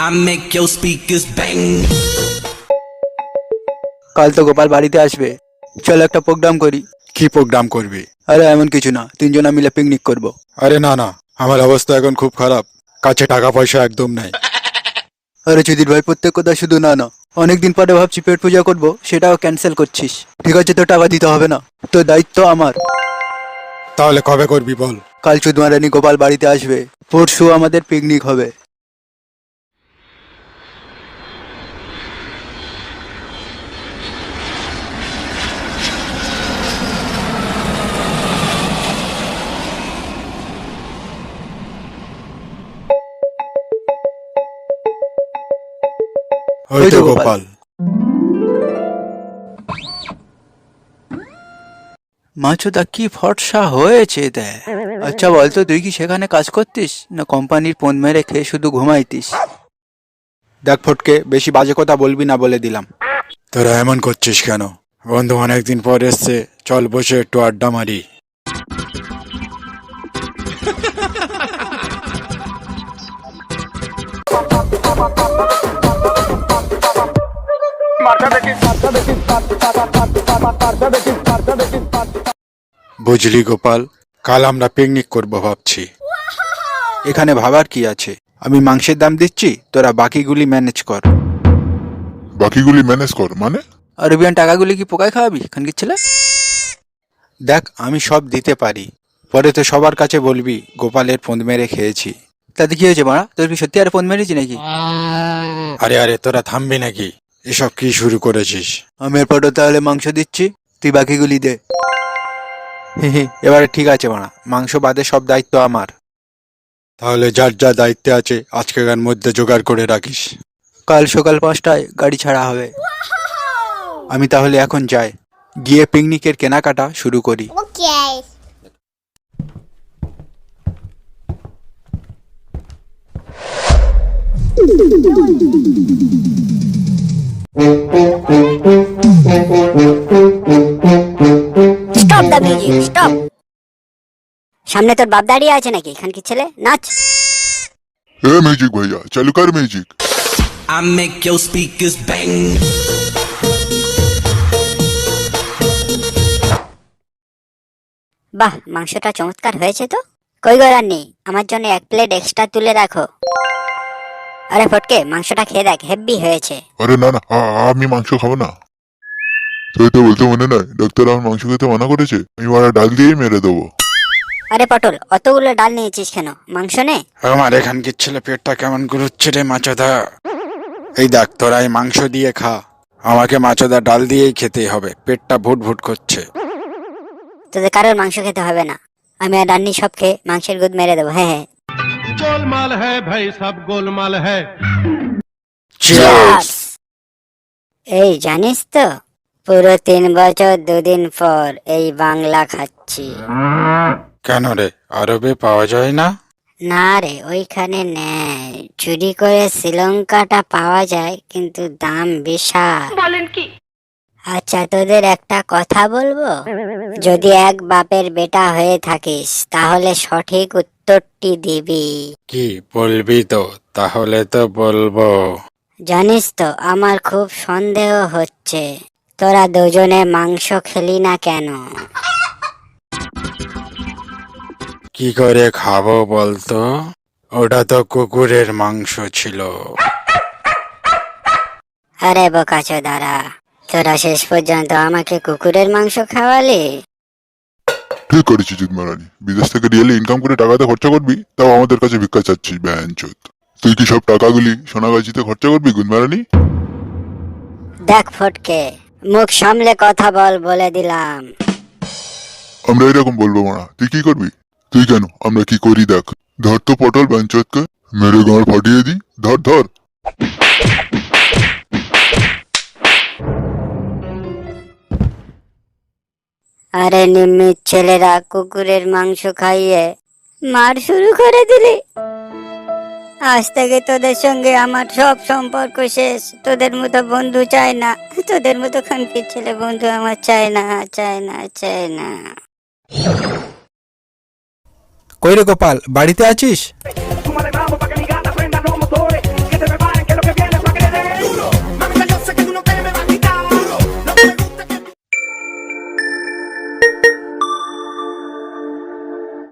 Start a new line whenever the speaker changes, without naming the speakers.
I make your speakers bang.
কাল তো গোপাল বাড়িতে আসবে, চল একটা প্রোগ্রাম করি।
কি প্রোগ্রাম করবি?
আরে এমন কিছু না, তিনজনা মিলে পিকনিক করব।
আরে না না, আমার অবস্থা এখন খুব খারাপ, কাছে টাকা পয়সা একদম নাই।
আরে চুদির ভাই, প্রত্যেক কথা শুধু না না, অনেকদিন পরে ভাবছি পেট পূজা করব, সেটাও ক্যান্সেল করছিস। ঠিক আছে, তো টাকা দিতে হবে না, তো দায়িত্ব আমার।
তাহলে কবে করবি বল?
কাল চুদমারানি গোপাল বাড়িতে আসবে, পরশু আমাদের পিকনিক হবে।
ওই তো গোপাল।
মাছুদা কি ফর্সা হয়েছে দেখ। আচ্ছা বলতো, তুই কি সেখানে কাজ করতিস না কোম্পানির পণ মেরে খেয়ে শুধু ঘুমাইতিস?
দেখ ফটকে, বেশি বাজে কথা বলবি না বলে দিলাম। তোরা এমন করছিস কেন? বন্ধু অনেকদিন পর এসছে, চল বসে একটু আড্ডা মারি। বুঝলি গোপাল, কাল আমরা পিকনিক করব ভাবছি।
এখানে ভাবার কি আছে? আমি মাংসের দাম দিচ্ছি, তোরা বাকিগুলি ম্যানেজ কর।
বাকিগুলি ম্যানেজ কর মানে?
আর রুবিয়ান টাকাগুলি কি পোকায় খাওয়াবি খানকির ছেলে?
দেখ আমি সব দিতে পারি, পরে তো সবার কাছে বলবি গোপালের ফোন মেরে খেয়েছি।
তাতে কি হয়েছে মারা? তোর কি সত্যি আর ফোন মেরেছি নাকি?
আরে আরে, তোরা থামবি নাকি? এসব কি শুরু করেছিস?
আমি এরপরও তাহলে মাংস দিচ্ছি, তুই বাকিগুলি দে।
এবারে ঠিক আছে মারা, মাংস বাদে সব দায়িত্ব আমার। তাহলে যার যা দায়িত্বে আছে আজকের মধ্যে জোগাড় করে রাখিস।
কাল সকাল 5টায় গাড়ি ছাড়া হবে।
আমি তাহলে এখন যাই, গিয়ে পিকনিকের কেনাকাটা শুরু করি।
Okay.
Stop the music, stop. সামনে তোর বাপ দাঁড়িয়ে আছে নাকি খানকির ছেলে? নাচ।
এ মিউজিক ভাইয়া, চালু কর music.
I make your speakers bang.
বাহ, মাংসটা চমৎকার হয়েছে তো। কই গো রান্নি, আমার জন্য 1 প্লেট এক্সট্রা তুলে রাখো। আরে ফটকে, মাংসটা খেয়ে দেখ, হেভি হয়েছে।
আরে না না, আমি মাংস খাবো না। তুই তো বলতে মনে নাই, ডাক্তার আমার মাংস খেতে মানা করেছে, আমি মারা ডাল দিয়েই মেরে দেবো।
আরে পটল, অতগুলো ডাল নিয়েছিস কেন? মাংস নে।
আমার এখানকার ছেলে পেটটা কেমন গুরুচ্ছে রে মাছদা। এই দেখ, তোরা এই মাংস দিয়ে খা, আমাকে মাছদা ডাল দিয়েই খেতে হবে, পেটটা ভুট ভুট করছে।
তোদের কারোর মাংস খেতে হবে না, আমি আর রান্নি সব খেয়ে মাংসের গুদ মেরে দেবো। হ্যাঁ হ্যাঁ।
गोलमाल है भाई, सब गोलमाल है।
Cheers!
এই জানিস তো, পুরো 3 বছর 2 দিন পর এই বাংলা খাচ্ছি।
কেন রে, আরবে পাওয়া যায় না?
না রে, ওইখানে নেই, চুরি করে শ্রীলঙ্কাটা পাওয়া যায়, কিন্তু দাম বিশাল। বলেন কি? আচ্ছা তোদের একটা কথা বলবো, যদি এক বাপের বেটা হয়ে থাকিস তাহলে সঠিক উত্তরটি দিবি।
কি বলবি তো? তাহলে তো বলবো।
জানিস তো, আমার খুব সন্দেহ হচ্ছে তোরা দুজনে মাংস খেলি না কেন?
কি করে খাবো বলতো? ওটা তো কুকুরের মাংস ছিল।
আরে বোকাচোদারা, তোরা শেষ পর্যন্ত আমাকে কুকুরের মাংস খাওয়ালি।
ঠিক করেছিস জিৎ মারানি, বিদেশ থেকে রিয়েলি ইনকাম করে টাকাতে খরচা করবি, তাও আমাদের কাছে ভিক্ষা চাচ্ছিস ব্যাঞ্চোদ। তুই কি সব টাকাগুলি সোনাগাছিতে খরচা করবি গুদ মারানি?
দেখ ফটকে, মুখ সামলে কথা বল, বলে দিলাম।
আমরা এরকম বলবো মারা, তুই কি করবি? তুই কেন, আমরা কি করি দেখ। ধর তো পটল ব্যাঞ্চোদকে, মেরে গাঁড় ফাটিয়ে দি। ধর ধর।
আরে নিম্মির ছেলেরা, কুকুরের মাংস খাইয়ে মার শুরু করে দিলি। আজ থেকে তোদের সঙ্গে আমার সব সম্পর্ক শেষ। তোদের মতো বন্ধু চাই না, তোদের মতো খানকির ছেলে বন্ধু আমার চাই না, চাই না, চাই না।
কই রে গোপাল, বাড়িতে আছিস?